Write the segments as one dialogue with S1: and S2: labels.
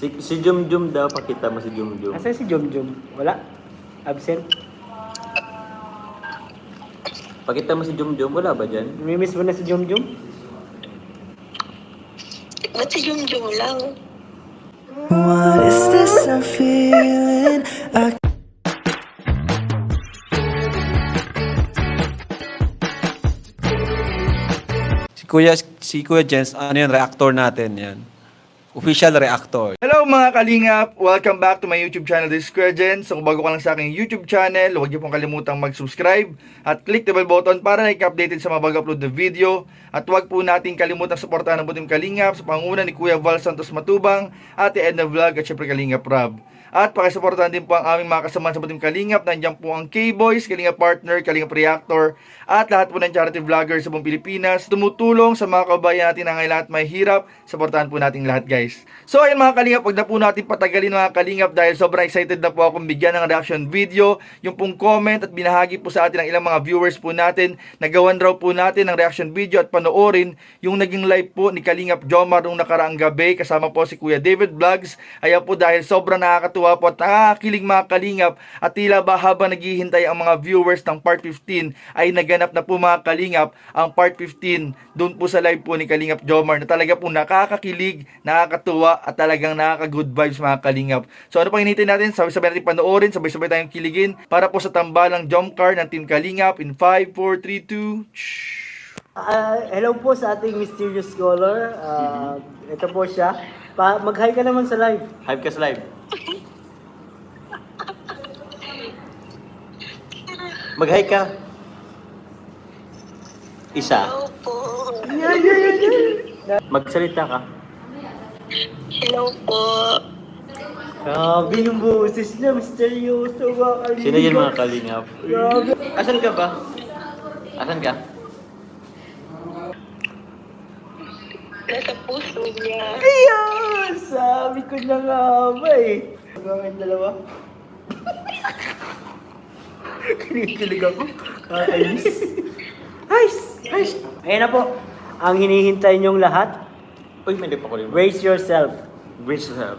S1: Si Jum daw, pakita mo si Jum.
S2: Asa si Jomjom? Wala? Absent?
S1: Pakita mo si Jum, wala ba dyan?
S2: Namimiss mo na si Jomjom?
S3: Ba't si Jum lang?
S4: What is this I'm feeling?
S5: Si Kuya Jens, ano yun, reactor natin yan. Official reactor.
S6: Hello mga kalingap! Welcome back to my YouTube channel, this is Kuya Jen. So kung bago ka lang sa aking YouTube channel, huwag niyo pong kalimutang mag-subscribe at click the bell button para na-updated sa mga bago-upload na video. At huwag po natin kalimutang suportahan ang Butim Kalingap sa pangunguna ni Kuya Val Santos Matubang, Ate Edna Vlog at syempre Kalingap Rob. At pakisuportahan din po ang aming mga kasamahan sa Butim Kalingap. Nandiyan po ang K-Boys, Kalingap Partner, Kalingap Reactor, at lahat po ng charity vloggers sa buong Pilipinas. Tumutulong sa mga kabayan natin na ngayon at may hirap. Supportahan po natin lahat guys. So ayun mga Kalingap, wag na po natin patagalin mga Kalingap dahil sobrang excited na po akong bigyan ng reaction video. Yung pong comment at binahagi po sa atin ng ilang mga viewers po natin. Nagawan raw po natin ng reaction video at panoorin yung naging live po ni Kalingap Jomar nung nakaraang gabi. Kasama po si Kuya David Vlogs. Ayan po dahil sobrang nakakatuwa po at nakakilig mga Kalingap. At tila ba habang naghihintay ang mga viewers ng part 15 ay naganap na po mga Kalingap ang part 15 doon po sa live po ni Kalingap Jomar na talaga po nakakakilig, nakakatuwa at talagang nakaka-good vibes mga Kalingap. So ano pang hinihintay natin? Sabay-sabay natin panoorin, sabay-sabay tayong kiligin para po sa tambalang jump card ng Team Kalingap in 5, 4, 3, 2...
S2: Hello po sa ating mysterious scholar. Ito po siya. Mag-hi ka naman sa live.
S1: Hype ka sa live. Mag-hi ka. Isa.
S3: Hello po.
S1: Magsalita ka.
S3: Hello po.
S2: Grabe yung boses niya. Misteryoso mga Kalingap.
S1: Sino yan mga Kalingap?
S2: Grabe.
S1: Asan ka ba? Asan ka?
S3: Nasa puso niya.
S2: Ayan! Sabi ko na nga ba eh. Hanggang dalawa. Kinikilig ako. Kakainis. Guys! Guys! Ayan na po. Ang hinihintay niyong lahat,
S1: Uy, may pa ko rin.
S2: brace yourself.
S1: Brace yourself.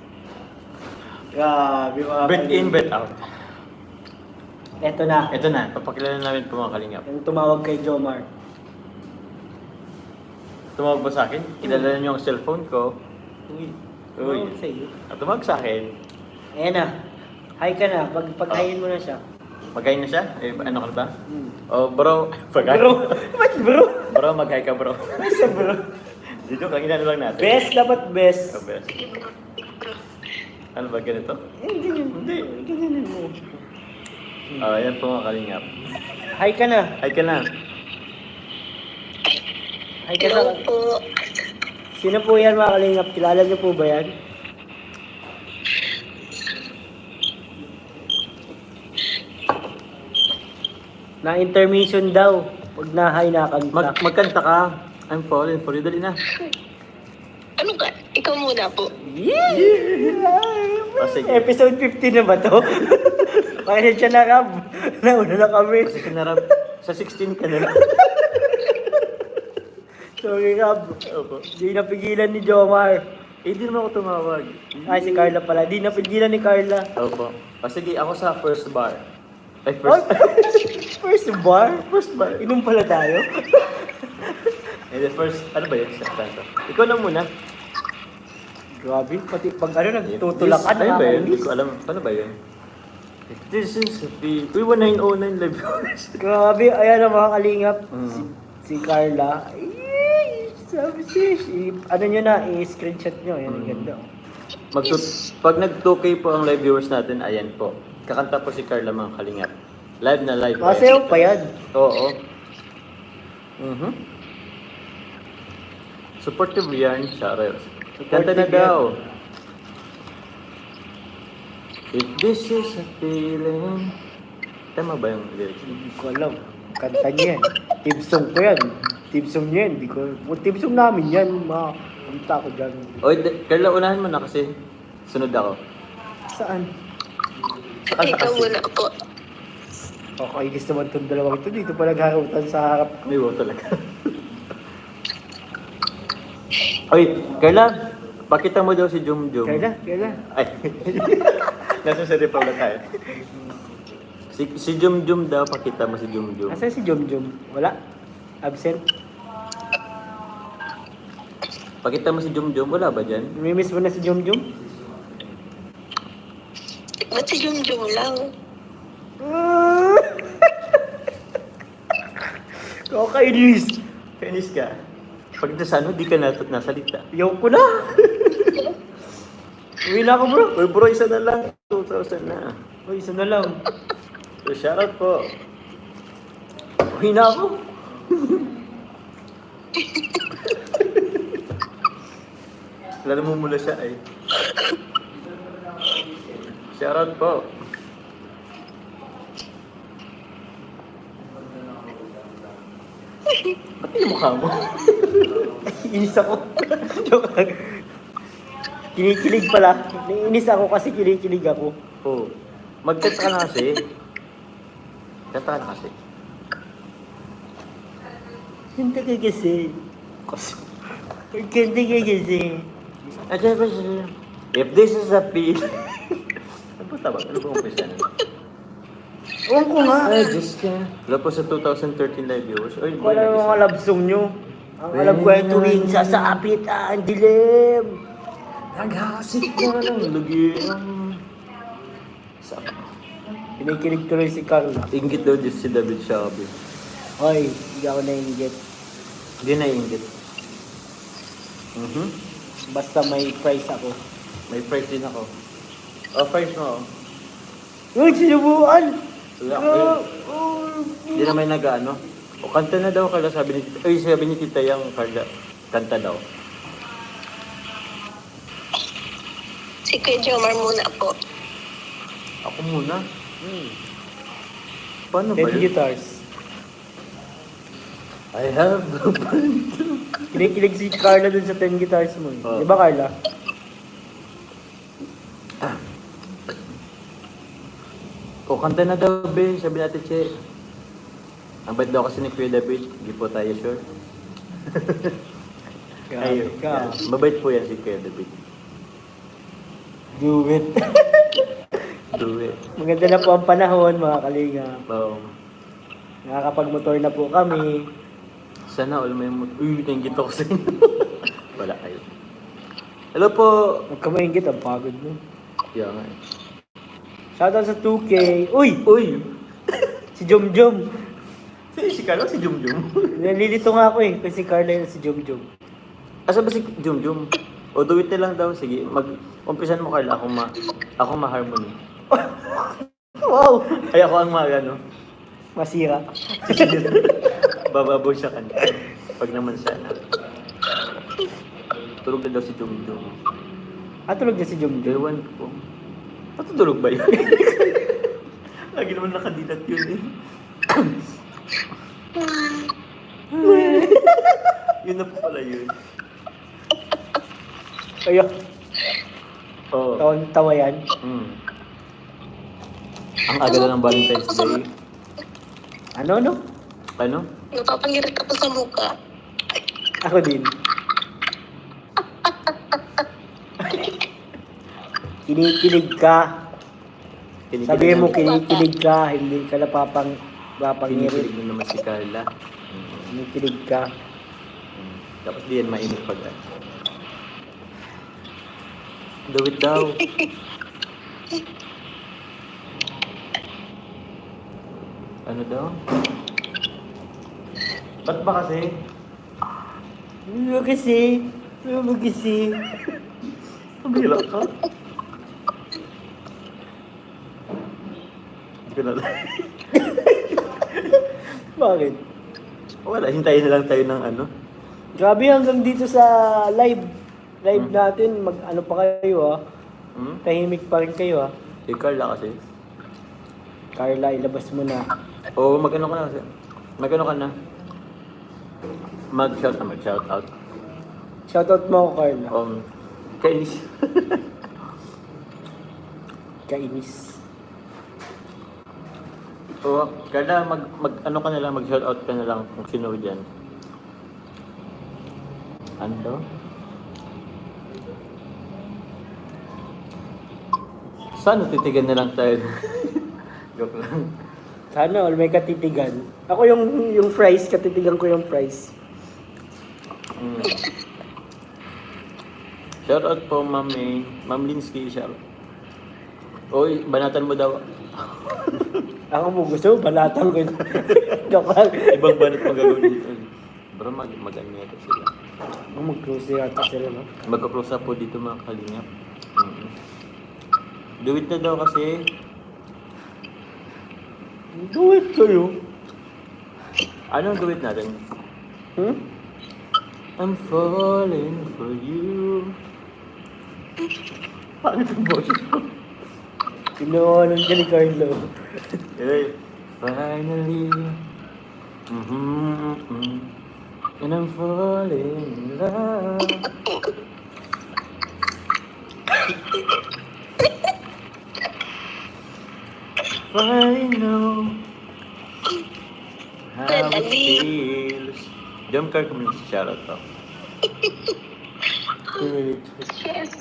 S2: Grabe mga
S1: Breath in, breath out.
S2: Eto na.
S1: Ito na, papakilala namin po mga Kalingap.
S2: Yung tumawag kay Jomar.
S1: Tumawag ba sa akin? Kilala niyo ang cellphone ko. Uy.
S2: Tumawag sa'yo.
S1: Tumawag sa akin.
S2: Ayan na. Hi ka na. Paghayin mo na siya.
S1: Mag-hi na siya? Eh, ano ka ba?
S2: Hmm.
S1: Oh, bro. Pag-hi.
S2: Bro! Ba't bro?
S1: Bro, mag-hi ka, bro.
S2: Basta bro.
S1: Dito, kanina lang natin.
S2: Best dapat best.
S1: Oh, best. Ano ba, ganito?
S2: Eh, ganyan.
S1: Hindi.
S2: Ganyan mo.
S1: Yan po mga Kalingap.
S2: Hi ka na.
S1: Hi ka na.
S2: Hi ka
S3: Hello
S2: sa...
S3: po.
S2: Sino po yan mga Kalingap? Kilala niyo po ba yan? Na intermission daw. Pag na-hi na kanta.
S1: Magkanta ka. I'm falling for you. Dali na.
S3: Ano ka? Ikaw muna po.
S1: Oh, sige.
S2: Episode 15 na ba to? Pakita siya na Rab. Nauna na kami.
S1: Kasi kinarap. Sa 16 ka na.
S2: Sorry Rab.
S1: Opo.
S2: Di napigilan ni Jomar.
S1: Eh, di naman ako tumawag.
S2: Ay, si Carla pala. Di napigilan ni Carla.
S1: Opo. Sige, ako sa first bar. Ay,
S2: What?
S1: first.
S2: First bar?
S1: First bar.
S2: Inom pala tayo?
S1: Eh, the first, ano ba yun? Saksanto. Ikaw na muna.
S2: Grabe, pati pag ano, nagtutulakan
S1: Ano ba yun? Hindi
S2: nakakainis.
S1: ko alam. Paano ba yun? If this is the... Uy, 1909 live viewers.
S2: Grabe, ayan ang mga Kalingap.
S1: Mm.
S2: Si Carla. Ay, sabi siya. Ano nyo na, i-screenshot nyo. Yan, ang ganda.
S1: Pag nag-2K po ang live viewers natin, ayan po. Kakanta po si Carla mga Kalingap. Live na live.
S2: Masayaw pa yan.
S1: Oo. Supportive yan, Charles. Kanta na
S2: Supportive yan.
S1: daw. If this is a feeling... Tama ba yung lyrics?
S2: Hindi ko alam. Kanta niya yan. Team song ko yan. Team song niya yan. Team song namin yan. Kumta ko dyan.
S1: Oy, Carla, unahan mo na kasi sunod ako.
S2: Saan?
S1: Kanta
S3: Ikaw
S1: kasi.
S3: muna po.
S2: Kakaigis naman itong dalawang ito. Dito pa nagharutan sa harap ko.
S1: May wow talaga. Oy, Carla, Pakita mo daw si Jumjum.
S2: Carla.
S1: Ay. Nasa sa Republic tayo. Si Jumjum daw, pakita mo si Jumjum.
S2: Asan si Jumjum? Wala? Absent?
S1: Pakita mo si Jumjum, wala ba dyan?
S2: Namimiss mo na si Jumjum?
S3: Ba't si Jumjum lang?
S2: Kakainis!
S1: Kainis ka. Pag nasa ano, di ka nasalita.
S2: Ayaw ko na! Uwi na ako bro!
S1: Uy bro, isa na lang. 2,000 na.
S2: Uy, isa na lang.
S1: So, shoutout po.
S2: Uwi na ako!
S1: Lalo mo mula siya ay. Shoutout po. Ba't yung mukha mo?
S2: Inis ako. Joke lang. Kinikilig pala. Naiinis ako kasi kinikilig ako.
S1: Oo. Mag-chat ka na kasi. Chat ka na kasi.
S2: Ganda ka kasi. Ganda ka kasi.
S1: If this is a feel... Ano ba tawag? Ano ba umpisa na?
S2: Ewan ko nga.
S1: Ay, Diyos ka. Wala po sa 2013 live viewers. Oy, boy,
S2: Wala yung mga love song nyo. Ang alam ko ay tuwing sasapit ang dilim.
S1: Naghasik na lang. Lagi ang...
S2: Kinikilig tuloy si Carla.
S1: Ingit daw Diyos si David Shelby.
S2: Hoy, hindi ako naiingit.
S1: Hindi na ingit.
S2: Basta may price ako.
S1: May price din ako. Oh, price mo.
S2: Uy, sinubuan!
S1: Wala. Hindi na may nag-ano. O kanta na daw Carla, sabi ni Tita Yang Carla. Kanta daw.
S3: Si Kuya Jomar muna po.
S1: Ako muna. Paano ba
S2: 10
S1: yun?
S2: guitars.
S1: I have the band.
S2: Kinikilig si Carla dun sa 10 guitars mo.
S1: Oh.
S2: Di ba Carla?
S1: O kanta na daw, be. Sabi natin, Che. Ang bait daw kasi ni Kuya David. Hindi po tayo sure. Ayun.
S2: Ka.
S1: Mabait po yan si Kuya David.
S2: Do it.
S1: Do it.
S2: Maganda na po ang panahon, mga kalinga.
S1: Wow.
S2: Nakakapag-motor na po kami.
S1: Sana all may uy, nainggit ako sa inyo. Wala kayo. Hello po.
S2: Huwag ka maingit, ang pagod mo.
S1: Yeah, nga.
S2: Shoutout sa 2K. Uy!
S1: Uy!
S2: Si Jomjom.
S1: Si Carla, si Jumjum.
S2: Nalilito nga ako eh. Kasi si Carla yun si Jomjom.
S1: Asa ba si Jumjum? O do it na lang daw. Sige, umpisan mo Carla. Ako ma-harmony.
S2: Wow!
S1: Ay, ako ang ano.
S2: Masira.
S1: Bababaw siya kanta. Pag naman sana. Tulog na daw si Jumjum.
S2: Tulog na si Jomjom.
S1: Ewan ko. Patutulog ba yun? Lagi naman nakadilat yun eh. Yun na po pala yun.
S2: Kayo,
S1: Oo.
S2: tawa yan.
S1: Ang aga na ng Valentine's Day.
S2: Ano?
S1: Ano?
S3: Napapangirit ako sa mukha.
S2: Ako din. Kinikilig ka. Sabihin mo kinikilig ka, hindi ka napapangirit.
S1: Pinikilig mo naman si Carla.
S2: Kinikilig ka.
S1: Tapos di yan mainit pag do it daw. Ano daw? Ba't ba kasi?
S2: Ano kasi?
S1: Pabira ka? Ganun.
S2: Bakit?
S1: Wala, hintayin na lang tayo ng ano.
S2: Grabe hanggang dito sa live natin, ano pa kayo tahimik pa rin kayo
S1: Si Carla kasi.
S2: Carla, ilabas mo na.
S1: Oo, mag-ano ka na kasi. Mag-ano ka na. Mag-shout out.
S2: Shoutout mo ako, Carla.
S1: Kainis.
S2: Kainis.
S1: Oo, Carla, ano ka na lang, mag-shout out ka na lang kung sino dyan. Ano daw? Sana titigan na lang tayo. Joke lang.
S2: Sana all may katitigan. Ako yung fries, katitigan ko yung fries.
S1: Mm. Shout out po, Ma'am May. Ma'am Linsky, shout. Oy, banatan mo daw.
S2: Ako mo gusto, balatan ko yun. Joke lang.
S1: Ibang banat pang gagawin dito. Bro, mag-ano yata sila.
S2: Mag-close yata sila, no?
S1: Magka-close up po dito mga kalingap. Do it na daw kasi.
S2: Do it kayo.
S1: Anong do it natin?
S2: Hmm?
S1: I'm falling for you. Paano itong boses ko?
S2: Sinuwanan ka ni Carlo.
S1: Hey, finally. And I'm falling in love. I know how it feels. Jump car community shoutout to. 2 minutes.
S3: Yes.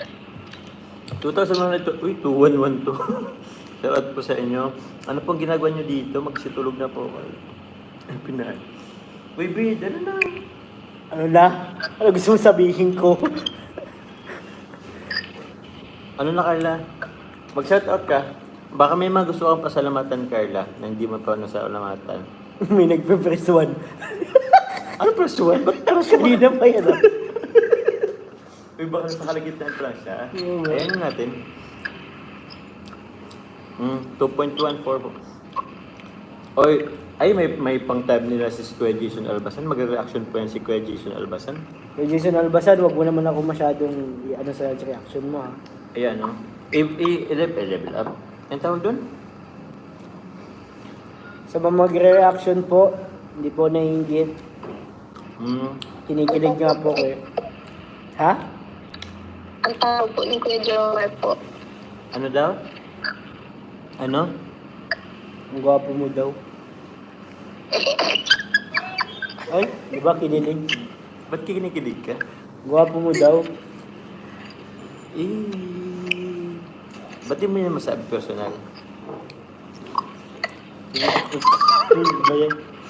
S1: 2012, uy, 2112. Shoutout po sa inyo. Ano pong ginagawa nyo dito? Magsitulog na po. Ay, pinay. Uy, Bid, ano na?
S2: Ano na? Ano gusto mong sabihin ko?
S1: Ano na, Carla? Mag-shoutout ka. Baka may mga gusto kang pasalamatan, Carla, na hindi mo pa nasalamatan.
S2: May nagpe-press one.
S1: Ano press one? Ba't press one?
S2: Kanina pa yan, ah.
S1: Uy, baka nasa kalagitnaan pa lang siya.
S2: Oo.
S1: Ayan natin. 2.14 po. Oy, ay may pang-tab nila si Kuya Jason Albasan. Mag-reaction po yan si Kuya Jason Albasan.
S2: Kay Jason Albasan, wag mo naman ako masyadong ano sa reaction mo, ha.
S1: Ayan, no? I-level up. Ang tawag doon?
S2: Sa mga magre-reaction po, hindi po naiingit. Kinikilig nga po kayo. Ha?
S3: Ang tawag po ni Kuya Jomar po.
S1: Ano daw? Ano?
S2: Ang gwapo mo daw. Ay, di ba kinilig?
S1: Ba't kinikilig ka?
S2: Gwapo mo daw.
S1: Ba't di mo yun masabi personal?
S2: Ba yan?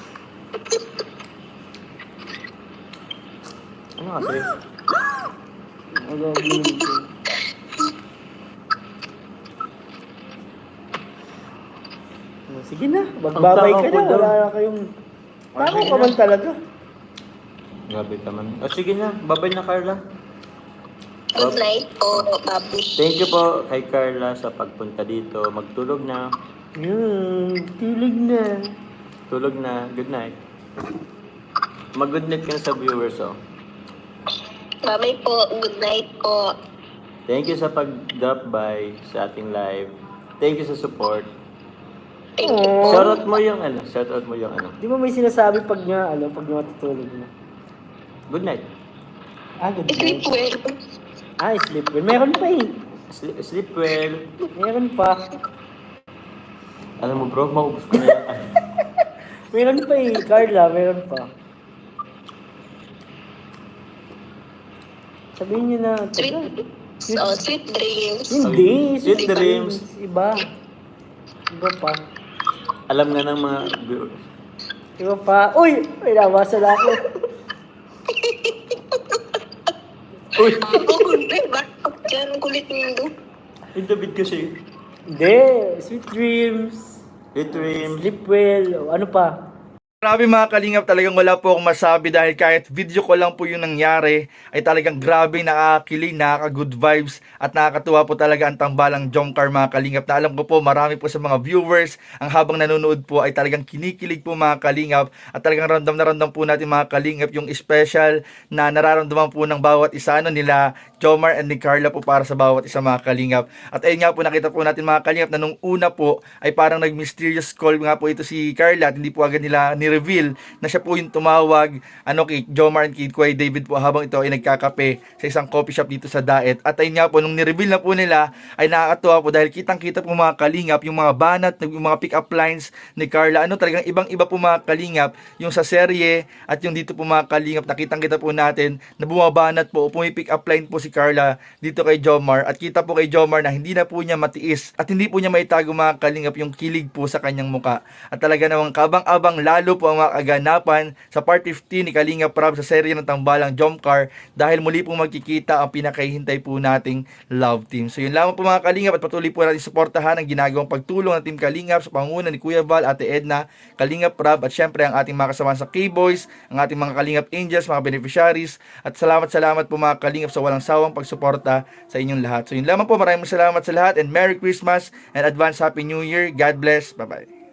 S1: Ano kasi?
S2: Ang gwapo mo dito. Sige na, magbabay ka na. Wala na kayong... Tama ka man talaga.
S1: Grabe ka man. O sige na, babay na Carla.
S3: Good night po, Babush.
S1: Thank you po kay Carla sa pagpunta dito. Magtulog na.
S2: Tilig na.
S1: Tulog na. Good night. Mag-good night ka na sa viewers, oh.
S3: Bye-bye po. Good night po.
S1: Thank you sa pag-drop by sa ating live. Thank you sa support.
S3: Thank you po.
S1: Shoutout mo yung ano. Shoutout mo yung ano.
S2: Di ba may sinasabi pag nga, pag nga matutulog mo?
S1: Good night.
S2: Good
S3: Sleep
S2: night.
S3: well.
S2: Sleep well. Meron pa eh.
S1: Sleep well.
S2: Meron pa.
S1: Alam mo bro, maubos ko na yan.
S2: Meron pa eh. Carla, meron pa. Sabihin niyo na.
S3: Sweet dreams.
S2: Hindi.
S1: Sweet dreams.
S2: Iba. Iba pa.
S1: Alam nga ng mga viewers.
S2: Iba pa. Uy! May nabasa na ako.
S1: Uy!
S3: Bakit dyan? Ang kulit niyo.
S1: Yung David kasi.
S2: Hindi. Sweet dreams.
S1: Sweet dreams.
S2: Sleep well. O, ano pa?
S6: Grabe mga kalingap, talagang wala po akong masabi dahil kahit video ko lang po yung nangyari ay talagang grabe, nakakakilig, nakaka-good vibes at nakakatuwa po talaga ang tambalang Jomcar mga kalingap, na alam ko po marami po sa mga viewers ang habang nanonood po ay talagang kinikilig po mga kalingap at talagang random na random po natin mga kalingap yung special na nararamdaman po ng bawat isa nila Jomar and ni Carla po para sa bawat isa mga kalingap. At ayun nga po, nakita po natin mga kalingap na nung una po ay parang nag-mysterious call nga po ito si Carla at hindi po agad nila ni-reveal na siya po yung tumawag kay Jomar and kay Kuya David po habang ito ay nagkakape sa isang coffee shop dito sa Daet. At ayun nga po, nung ni-reveal na po nila ay nakakatuwa po dahil kitang-kita po mga kalingap yung mga banat, yung mga pick-up lines ni Carla. Talagang ibang-iba po mga kalingap yung sa serye at yung dito po mga kalingap, nakitang-kita po natin na bumabanat po, pick up line po si Carla dito kay Jomar. At kita po kay Jomar na hindi na po niya matiis at hindi po niya maitago mga kalingap yung kilig po sa kanyang muka. At talaga namang kabang-abang lalo po ang mga kaganapan sa part 15 ni Kalingap Rab sa serye ng Tambalang Jomcar dahil muli po magkikita ang pinakahihintay po nating love team. So yun lamang po mga kalingap at patuloy po natin suportahan ang ginagawang pagtulong ng Team Kalingap sa pangunguna ni Kuya Val, Ate Edna, Kalingap Rab at syempre ang ating mga kasama sa K-Boys, ang ating mga Kalingap Angels, mga beneficiaries. At salamat po mga kalingap sa walang sawang pagsuporta sa inyong lahat. So yun lamang po, maraming salamat sa lahat and Merry Christmas and advance Happy New Year. God bless. Bye-bye.